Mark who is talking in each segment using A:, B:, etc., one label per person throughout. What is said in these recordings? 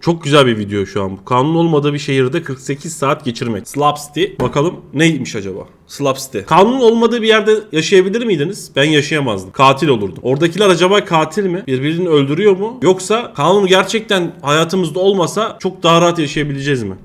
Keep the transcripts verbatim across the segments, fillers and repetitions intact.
A: Çok güzel bir video şu an. Kanun olmadığı bir şehirde kırk sekiz saat geçirmek. Slab City. Bakalım neymiş acaba? Slab City. Kanun olmadığı bir yerde yaşayabilir miydiniz? Ben yaşayamazdım. Katil olurdum. Oradakiler acaba katil mi? Birbirini öldürüyor mu? Yoksa kanun gerçekten hayatımızda olmasa çok daha rahat yaşayabileceğiz mi?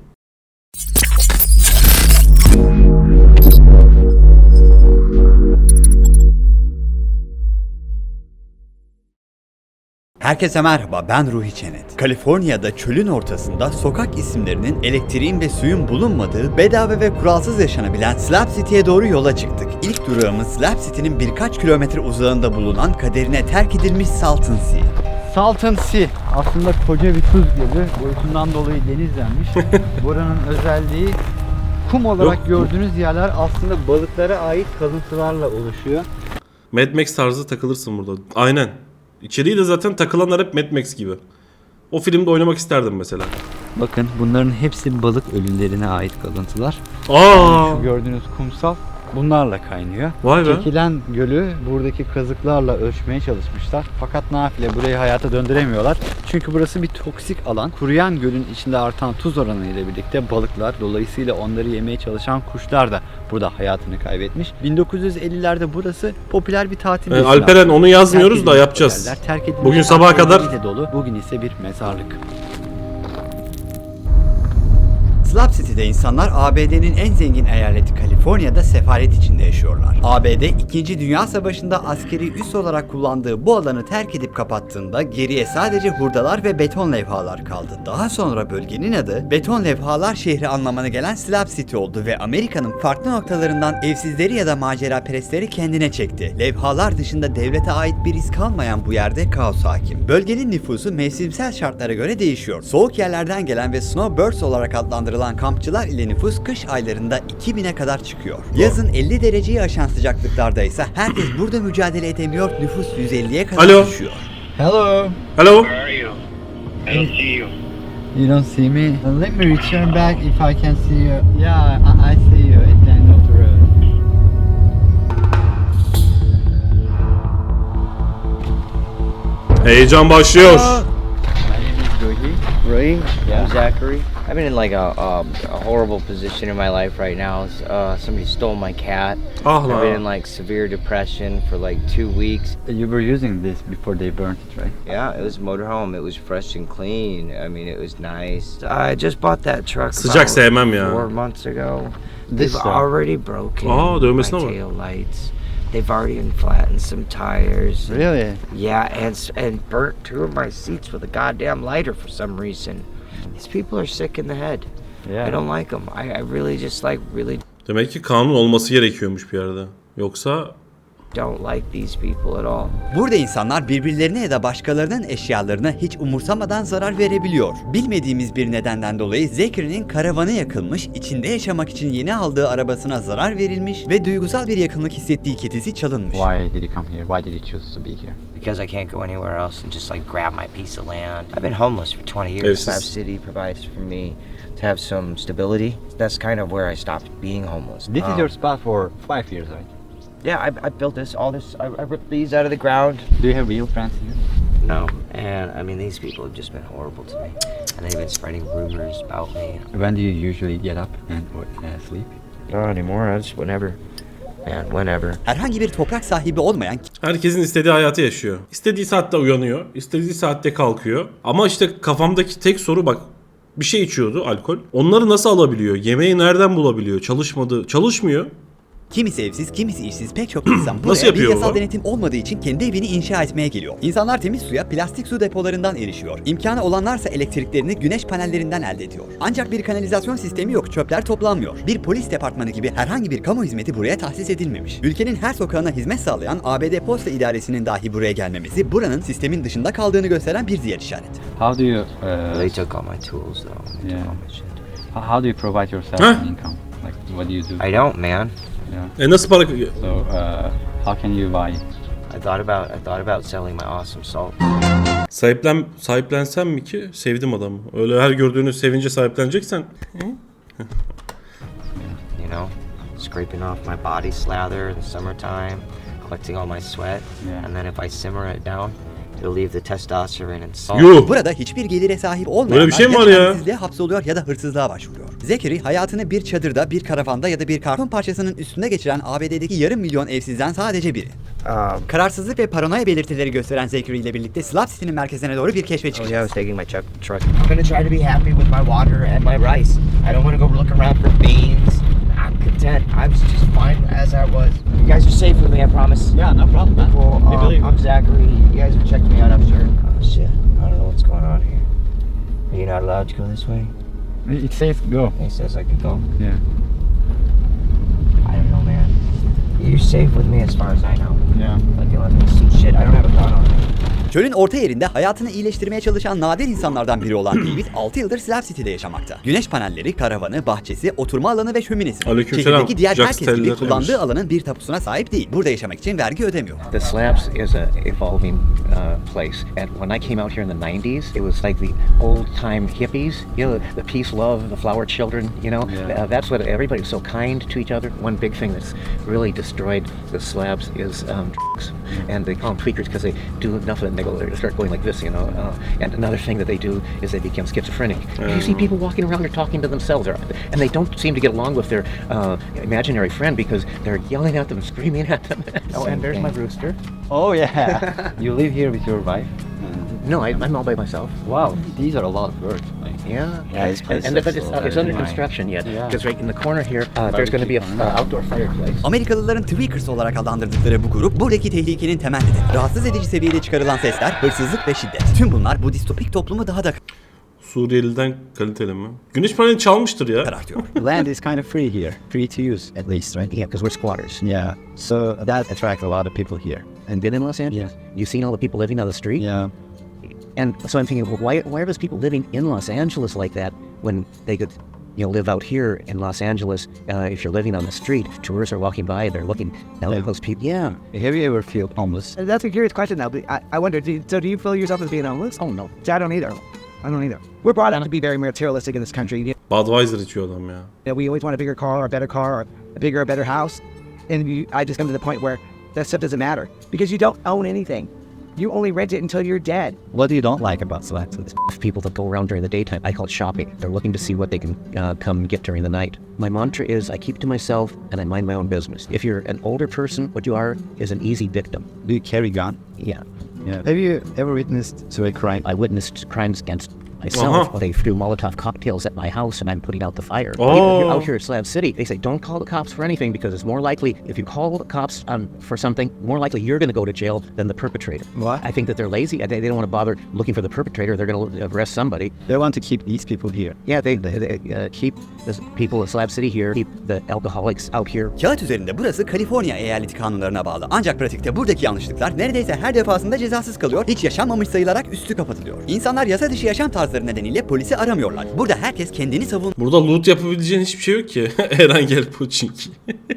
B: Herkese merhaba, ben Ruhi Çenet. Kaliforniya'da çölün ortasında sokak isimlerinin, elektriğin ve suyun bulunmadığı, bedava ve kuralsız yaşanabilen Slab City'ye doğru yola çıktık. İlk durağımız Slab City'nin birkaç kilometre uzağında bulunan kaderine terk edilmiş Salton Sea. Salton Sea aslında koca bir tuz gölü, boyutundan dolayı denizlenmiş. Buranın özelliği kum olarak
A: Yok.
B: gördüğünüz yerler aslında balıklara ait kalıntılarla oluşuyor.
A: Mad Max tarzı takılırsın burada. Aynen. İçeriği de zaten takılanlar hep Mad Max gibi. O filmde oynamak isterdim mesela.
B: Bakın bunların hepsi balık ölülerine ait kalıntılar.
A: Aa!
B: Şu gördüğünüz kumsal bunlarla kaynıyor.
A: Vay be.
B: Çekilen gölü buradaki kazıklarla ölçmeye çalışmışlar. Fakat nafile burayı hayata döndüremiyorlar. Çünkü burası bir toksik alan. Kuruyan gölün içinde artan tuz oranı ile birlikte balıklar, dolayısıyla onları yemeye çalışan kuşlar da burada hayatını kaybetmiş. bin dokuz yüz ellilerde burası popüler bir tatil.
A: Ee, Alperen onu yazmıyoruz da yapacağız. Bugün sabaha kadar.
B: Dolu. Bugün ise bir mezarlık. Slab City'de insanlar A B D'nin en zengin eyaleti Kaliforniya'da sefaret içinde yaşıyorlar. A B D ikinci. Dünya Savaşı'nda askeri üs olarak kullandığı bu alanı terk edip kapattığında geriye sadece hurdalar ve beton levhalar kaldı. Daha sonra bölgenin adı beton levhalar şehri anlamına gelen Slab City oldu ve Amerika'nın farklı noktalarından evsizleri ya da macera perestleri kendine çekti. Levhalar dışında devlete ait bir iz kalmayan bu yerde kaos hakim. Bölgenin nüfusu mevsimsel şartlara göre değişiyor. Soğuk yerlerden gelen ve snowbirds olarak adlandırılan kampçılar ile nüfus kış aylarında iki bine kadar çıkıyor. Yazın elli dereceyi aşan sıcaklıklarda ise herkes burada mücadele edemiyor, nüfus yüz elliye kadar
A: Alo.
B: düşüyor. Hello.
A: Hello.
C: Where are you? I don't see you.
B: You don't see me? Uh, let me return back if I can see you. Yeah, I, I see you at the end of the road.
A: Heyecan başlıyor.
B: My name is Ruhi.
C: Ray?
B: Yeah.
C: I'm Zachary. I've been in like a, um, a horrible position in my life right now. Uh, somebody stole my cat.
A: Ah
C: I've been in
A: lan.
C: like severe depression for like two weeks.
B: You were using this before they burnt it, right?
C: Yeah, it was a motorhome. It was fresh and clean. I mean, it was nice. I just bought that truck
A: Sıcak
C: about
A: sevmem ya.
C: four months ago.
B: This
C: They've
B: truck.
C: already broken
A: Aa,
C: my
A: dövmesine bak.
C: tail lights. They've already flattened some tires.
B: Really?
C: Yeah, and s- and burnt two of my seats with a goddamn lighter for some reason. These people are sick in the head.
B: Yeah.
C: I don't like them. I, I really just like really
A: Demek ki kanun olması gerekiyormuş bir yerde. Yoksa
C: don't like these people at all.
B: Burada insanlar birbirlerine ya da başkalarının eşyalarına hiç umursamadan zarar verebiliyor. Bilmediğimiz bir nedenden dolayı Zachary'nin karavanı yakılmış, içinde yaşamak için yeni aldığı arabasına zarar verilmiş ve duygusal bir yakınlık hissettiği kedisi çalınmış.
D: Why did you come here? Why did you choose to be here?
C: Because I can't go anywhere else and just like grab my piece of land. I've been homeless for twenty years.
A: Evsiz.
C: Slab City provides for me to have some stability. That's kind of where I stopped being homeless.
D: This is
C: Um,
D: your spot for five years, right?
C: Yeah, I, I built this, all this, I, I ripped these out of the ground.
D: Do you have real friends here?
C: No, and I mean, these people have just been horrible to me. And they've been spreading rumors about me.
D: When do you usually get up and uh, sleep?
C: Not anymore, I just whenever. Man, whenever.
B: Herhangi bir toprak sahibi olmayan
A: herkesin istediği hayatı yaşıyor. İstediği saatte uyanıyor, istediği saatte kalkıyor. Ama işte kafamdaki tek soru bak. Bir şey içiyordu, alkol. Onları nasıl alabiliyor? Yemeği nereden bulabiliyor? Çalışmadı, çalışmıyor.
B: kimisi evsiz, kimisi işsiz pek çok insan buraya
A: Nasıl
B: bir
A: yapıyor
B: yasal
A: bu?
B: denetim olmadığı için kendi evini inşa etmeye geliyor. İnsanlar temiz suya plastik su depolarından erişiyor. İmkanı olanlarsa elektriklerini güneş panellerinden elde ediyor. Ancak bir kanalizasyon sistemi yok, çöpler toplanmıyor. Bir polis departmanı gibi herhangi bir kamu hizmeti buraya tahsis edilmemiş. Ülkenin her sokağına hizmet sağlayan A B D Posta İdaresi'nin dahi buraya gelmemesi buranın sistemin dışında kaldığını gösteren bir diğer işaret.
D: How do you
C: They
D: uh,
C: took all my tools though. They
D: Yeah.
C: took all my shit.
D: how how do you provide yourself
A: Huh?
D: an income? Like what do you do?
C: I don't, man.
D: Yeah.
A: E nasıl para...
D: So uh, how can you buy?
C: I thought about I thought about selling my awesome salt.
A: Sahiplen, sahiplensem mi ki? Sevdim adamı. Öyle her gördüğünü sevince sahipleneceksen.
C: You know, scraping off my body slather in the summertime, collecting all my sweat,
D: Yeah.
C: and then if I simmer it down, It'll leave the testosterone and salt.
A: Yuh.
B: Burada hiçbir gelire sahip olmayanlar
A: Böyle bir şey mi
B: ya
A: var ya?
B: çaresizliğe hapsoluyor ya da hırsızlığa başvuruyor. Zachary hayatını bir çadırda, bir karavanda ya da bir karton parçasının üstünde geçiren A B D'deki yarım milyon evsizden sadece biri.
C: Um,
B: Kararsızlık ve paranoya belirtileri gösteren Zachary ile birlikte Slab City'nin merkezine doğru bir keşfe
C: oh yeah, I
B: çıkacağız.
C: was taking my truck. truck. I'm gonna try to be happy with my water and my rice. I don't want to go look around for beans. I'm content. I was just fine as I was. You guys are safe with me, I promise.
D: Yeah, no problem, man.
C: Well,
D: We
C: um,
D: believe.
C: I'm Zachary. You guys have checked me out, I'm sure. Oh shit, I don't know what's going on here. Are you not allowed to go this way?
D: It's safe. Go.
C: He says I can go.
D: Yeah.
C: I don't know, man. You're safe with me as far as I know.
D: Yeah.
C: Like you let me see shit. I don't have a gun on me.
B: Çölün orta yerinde hayatını iyileştirmeye çalışan nadir insanlardan biri olan David altı yıldır Slab City'de yaşamakta. Güneş panelleri, karavanı, bahçesi, oturma alanı ve şöminesi var.
A: Aleykümselam.
B: Şehirdeki diğer
A: Jack
B: herkes gibi
A: Steller'ıymış.
B: kullandığı alanın bir tapusuna sahip değil. Burada yaşamak için vergi ödemiyor.
E: The Slabs is a evolving uh, place. And when I came out here in the nineties, it was like the old time hippies, you know, the peace, love, the flower children, you know.
D: Yeah.
E: Uh, that's what everybody was so kind to each other. One big thing that's really destroyed the Slabs is um, drugs. And they call them tweakers because they do enough of it and they go, they start going like this, you know. Uh, and another thing that they do is they become schizophrenic. You see people walking around, they're talking to themselves, or, and they don't seem to get along with their uh, imaginary friend because they're yelling at them, screaming at them. Oh, and there's my rooster.
D: Oh yeah. You live here with your wife?
E: No, I, I'm all by myself.
D: Wow. These are a lot of birds. Like,
E: Yeah,
D: Yeah, this
E: and,
D: place
E: and
D: is
E: but it's,
D: so
E: uh, it's under
D: nice.
E: construction yet.
D: Yeah.
E: Because right in the corner here, uh, there's going to be a uh, outdoor fireplace.
B: Amerikalıların Tweakers olarak adlandırdıkları bu grup buradaki tehlikenin temellidir. Rahatsız edici seviyede çıkarılan sesler, hırsızlık ve şiddet. Tüm bunlar bu distopik toplumu daha da
A: Suriyeli'den kaliteli mi? Güneş paneli çalmıştır ya.
B: karartıyor.
F: Land is kind of free here, free to use at least, right?
E: Yeah, because we're squatters.
F: Yeah, so that attracts a lot of people here.
E: And been in Los Angeles?
F: Yeah.
E: You've seen all the people living on the street?
F: Yeah,
E: And so I'm thinking, well, why, why are those people living in Los Angeles like that when they could, you know, live out here in Los Angeles? Uh, if you're living on the street, tourists are walking by, they're looking down at those people. Yeah.
F: have you ever feel homeless?
G: That's a curious question, though. But I, I wonder, do, so do you feel yourself as being homeless?
E: Oh, no.
G: I don't either. I don't either. We're brought up to be very materialistic in this country. You
A: Budweiser içiyor adam ya.
G: know, we always want a bigger car or a better car or a bigger or better house. And you, I just come to the point where that stuff doesn't matter because you don't own anything. You only rent it until you're dead.
F: What do you don't like about Slab City?
E: People that go around during the daytime, I call it shopping. They're looking to see what they can uh, come get during the night. My mantra is I keep to myself and I mind my own business. If you're an older person, what you are is an easy victim.
F: Do you carry gun?
E: Yeah.
F: Yeah. Have you ever witnessed to a crime?
E: I witnessed crimes against myself.
A: Uh-huh.
E: They threw Molotov cocktails at my house and I'm putting out the fire.
A: Oh.
E: Even here- out here at Slab City, they say don't call the cops for anything because it's more likely if you call the cops um, for something, more likely you're going to go to jail than the perpetrator.
F: What?
E: I think that they're lazy. They, they don't want to bother looking for the perpetrator. They're going to arrest somebody.
F: They want to keep these people here.
E: Yeah, they, they, they uh, keep the people at Slab City here, keep the alcoholics out here.
B: Kağıt üzerinde burası Kaliforniya eyaleti kanunlarına bağlı. Ancak pratikte buradaki yanlışlıklar neredeyse her defasında cezasız kalıyor, hiç yaşanmamış sayılarak üstü kapatılıyor. İnsanlar yasa dışı yaşam tarzları nedeniyle polisi aramıyorlar. Burada herkes kendini savun
A: Burada loot yapabileceğin hiçbir şey yok ki. Eren gel Pochinki.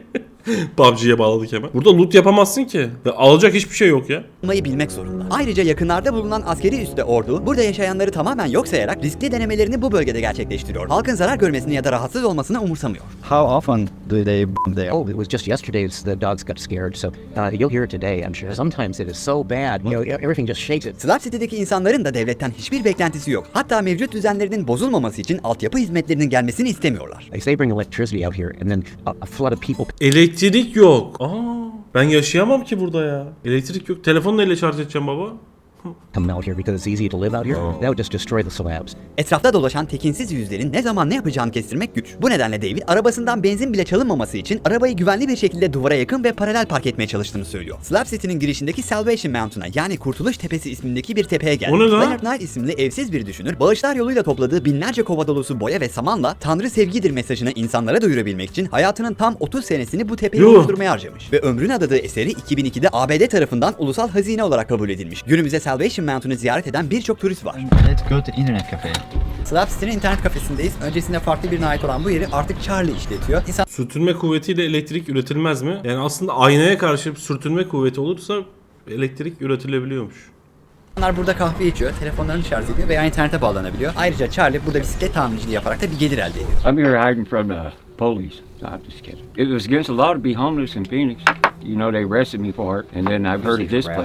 A: P U B G'ye bağladık hemen. Burada loot yapamazsın ki. Ya alacak hiçbir şey yok ya.
B: Yapmayı bilmek zorunda. Ayrıca yakınlarda bulunan askeri üste ordu, burada yaşayanları tamamen yok sayarak riskli denemelerini bu bölgede gerçekleştiriyor. Halkın zarar görmesini ya da rahatsız olmasını umursamıyor.
F: How often do they bomb there?
E: Oh, it was just yesterday the dogs got scared, so uh, you'll hear it today, I'm sure. Sometimes it is so bad, you know, everything just shakes it.
B: Slab City'deki insanların da devletten hiçbir beklentisi yok. Hatta mevcut düzenlerinin bozulmaması için altyapı hizmetlerinin gelmesini istemiyorlar.
E: Like they bring electricity out here, and then a, a flood of people
A: Elektrik yok. Aa, ben yaşayamam ki burada ya. Elektrik yok. Telefonu neyle şarj edeceğim baba?
E: come out here because it's easy to live out here. That would just destroy the slabs.
B: Etrafta dolaşan tekinsiz yüzlerin ne zaman ne yapacağını kestirmek güç. Bu nedenle David arabasından benzin bile çalınmaması için arabayı güvenli bir şekilde duvara yakın ve paralel park etmeye çalıştığını söylüyor. Slab City'nin girişindeki Salvation Mountain'a yani Kurtuluş Tepesi ismindeki bir tepeye geldi.
A: O ne lan?
B: Leonard Knight isimli evsiz bir düşünür, bağışlar yoluyla topladığı binlerce kova dolusu boya ve samanla Tanrı sevgidir mesajını insanlara duyurabilmek için hayatının tam otuz senesini bu tepeyi
A: Yuh.
B: oluşturmaya harcamış. Ve ömrüne adadığı eseri iki bin ikide A B D tarafından ulusal hazine olarak kabul edilmiş. Günümüzde Salvation Mountain'ı ziyaret eden birçok turist var.
F: Let's go to internet cafe.
B: Slab City'nin internet kafesindeyiz. Öncesinde farklı birine ait olan bu yeri artık Charlie işletiyor.
A: Sürtünme kuvvetiyle elektrik üretilmez mi? Yani aslında aynaya karşı bir sürtünme kuvveti olursa elektrik üretilebiliyormuş.
B: İnsanlar burada kahve içiyor, telefonlarını şarj ediyor veya internete bağlanabiliyor. Ayrıca Charlie burada bisiklet tamirciliği yaparak da bir gelir elde ediyor.
H: I'm here hiding from the police. No, I'm just kidding. It was against the law to be homeless in Phoenix. You know, they arrested me for it, and then I've heard of this place.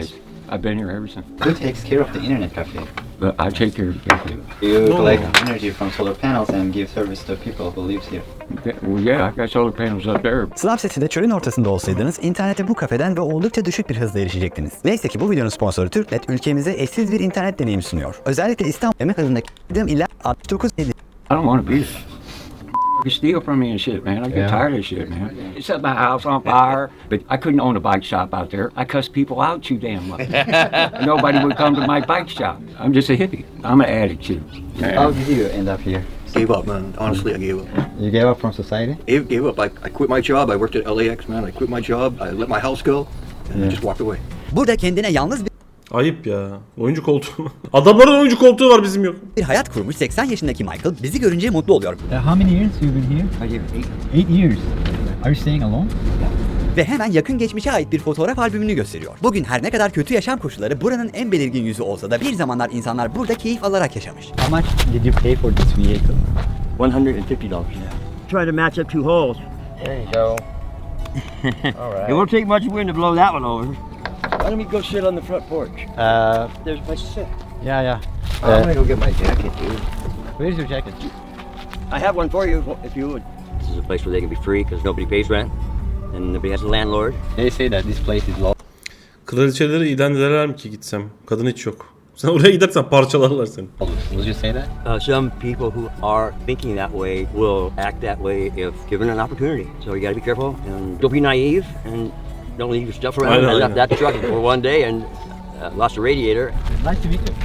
H: I've been here ever since.
F: Who takes care of the internet cafe?
H: But I take care of everything.
F: You
A: No.
F: collect energy from solar panels and give service to people who lives here.
H: Well, yeah, I got solar panels up there.
B: Slab City'de çölün ortasında olsaydınız internete bu kafeden ve oldukça düşük bir hızla erişecektiniz. Neyse ki bu videonun sponsoru Türknet ülkemize eşsiz bir internet deneyimi sunuyor. Özellikle İstanbul emek hızındaki ila altmış dokuz
H: I don't want to be there. You steal from me and shit, man. I get
F: Yeah.
H: tired of shit, man. You set my house on fire, but I couldn't own a bike shop out there. I cuss people out too damn much. Nobody would come to my bike shop. I'm just a hippie. I'm an addict too.
F: How
H: Man.
F: did you end up here?
I: Gave up, man. Honestly, I gave up.
F: You gave up from society?
I: Gave, gave up. I, I quit my job. I worked at L A X, man. I quit my job. I let my house go, and I just walked away.
B: Burada kendine yalnız bir
A: Ayıp ya. Oyuncu koltuğu. Adamların oyuncu koltuğu var, bizim yok.
B: bir hayat kurmuş seksen yaşındaki Michael bizi görünce mutlu oluyor.
F: Uh, how many years you been here?
C: I give eight.
F: Eight years. Are you staying alone?
B: Ve hemen yakın geçmişe ait bir fotoğraf albümünü gösteriyor. Bugün her ne kadar kötü yaşam koşulları buranın en belirgin yüzü olsa da bir zamanlar insanlar burada keyif alarak yaşamış.
F: How much did you pay for this vehicle?
I: One hundred and fifty dollars.
C: Try to match up two holes. There you go. All right. It won't take much wind to blow that one over. Why don't we go sit on the front porch?
F: Uh,
C: There's a place to sit.
F: yeah, yeah.
C: I'm
F: Uh,
C: gonna go get my jacket, dude.
F: where's your jacket?
C: I have one for you if you would.
I: This is a place where they can be free because nobody pays rent, and nobody has a landlord.
F: They say that this place is low.
A: Kraliçeleri idam ederler mi ki gitsem? Kadın hiç yok. Sen oraya gidersen parçalarlar seni.
F: Would you say that?
I: Uh, some people who are thinking that way will act that way if given an opportunity. So you got to be careful and don't be naive and don't leave your stuff around.
A: I know,
I: I
A: I
I: left
A: know.
I: that truck for one day and uh, lost a radiator.
F: Nice to meet you.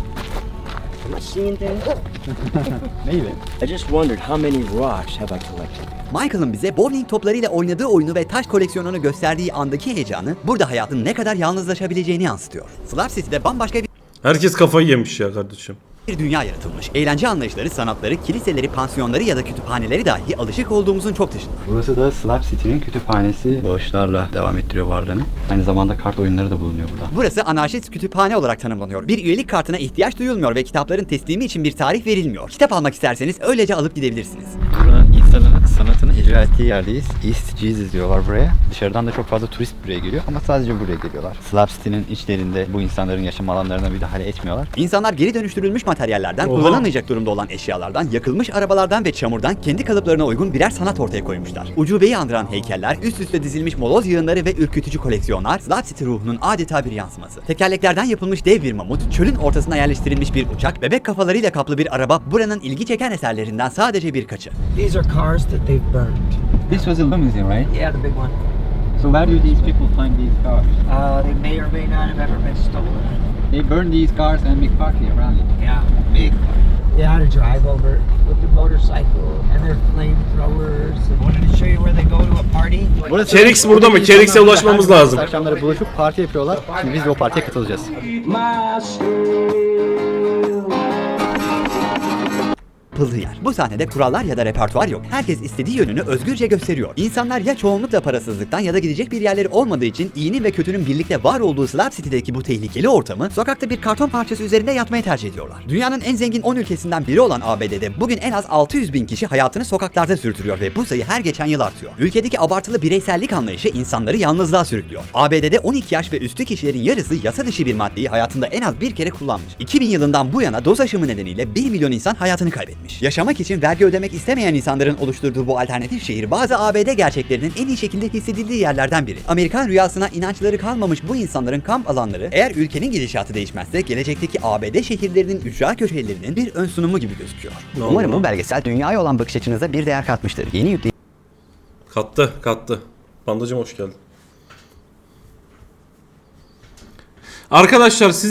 C: Am I seeing things?
F: Maybe.
C: I just wondered how many rocks have I collected?
B: Michael'ın bize bowling toplarıyla oynadığı oyunu ve taş koleksiyonunu gösterdiği andaki heyecanı burada hayatın ne kadar yalnızlaşabileceğini yansıtıyor. Slab City'de bambaşka bir
A: Herkes kafayı yemiş ya kardeşim.
B: bir dünya yaratılmış. Eğlence anlayışları, sanatları, kiliseleri, pansiyonları ya da kütüphaneleri dahi alışık olduğumuzun çok dışında.
F: Burası da Slab City'nin kütüphanesi. Bağışlarla devam ettiriyor varlığını. Aynı zamanda kart oyunları da bulunuyor burada.
B: Burası anarşist kütüphane olarak tanımlanıyor. Bir üyelik kartına ihtiyaç duyulmuyor ve kitapların teslimi için bir tarih verilmiyor. Kitap almak isterseniz öylece alıp gidebilirsiniz.
F: Buranın insanın sanatını icra ettiği yerdeyiz. East Jesus diyorlar buraya. Dışarıdan da çok fazla turist buraya geliyor ama sadece buraya geliyorlar. Slab City'nin içlerinde bu insanların yaşam alanlarına müdahale etmiyorlar.
B: İnsanlar geri dönüştürülmüş materyallerden,
A: Oha.
B: kullanılmayacak durumda olan eşyalardan, yakılmış arabalardan ve çamurdan kendi kalıplarına uygun birer sanat ortaya koymuşlar. Ucubeyi andıran heykeller, üst üste dizilmiş moloz yığınları ve ürkütücü koleksiyonlar Slab City ruhunun adeta bir yansıması. Tekerleklerden yapılmış dev bir mamut, çölün ortasına yerleştirilmiş bir uçak, bebek kafalarıyla kaplı bir araba buranın ilgi çeken eserlerinden sadece birkaçı.
C: These are cars that they've burned.
F: This was a limousine, right?
C: Yeah, the big one.
F: So where do these people find these cars?
C: Uh, they may or may not have ever been stolen.
F: They burn these cars and make party around it.
C: Yeah, big. They had to drive over with their motorcycle and their flamethrowers. I wanted to show you where they go to a party.
A: Kerix burada mı? Kerix'e ulaşmamız lazım.
F: Akşamları buluşup parti yapıyorlar. Şimdi biz de o partiye katılacağız.
B: Yapıldığı yer. Bu sahnede kurallar ya da repertuar yok. Herkes istediği yönünü özgürce gösteriyor. İnsanlar ya çoğunlukla parasızlıktan ya da gidecek bir yerleri olmadığı için iyinin ve kötünün birlikte var olduğu Slab City'deki bu tehlikeli ortamı sokakta bir karton parçası üzerinde yatmayı tercih ediyorlar. Dünyanın en zengin on ülkesinden biri olan A B D'de bugün en az altı yüz bin kişi hayatını sokaklarda sürdürüyor ve bu sayı her geçen yıl artıyor. Ülkedeki abartılı bireysellik anlayışı insanları yalnızlığa sürüklüyor. A B D'de on iki yaş ve üstü kişilerin yarısı yasa dışı bir maddeyi hayatında en az bir kere kullanmış. iki bin yılından bu yana doz aşımı nedeniyle bir milyon insan hayatını kaybetmiş. Yaşamak için vergi ödemek istemeyen insanların oluşturduğu bu alternatif şehir bazı A B D gerçeklerinin en iyi şekilde hissedildiği yerlerden biri. Amerikan rüyasına inançları kalmamış bu insanların kamp alanları eğer ülkenin gidişatı değişmezse gelecekteki A B D şehirlerinin ücra köşelerinin bir ön sunumu gibi gözüküyor. Umarım bu belgesel dünyaya olan bakış açınıza bir değer katmıştır. Yeni yükleyip
A: Kattı, kattı. Pandacım hoş geldin. Arkadaşlar siz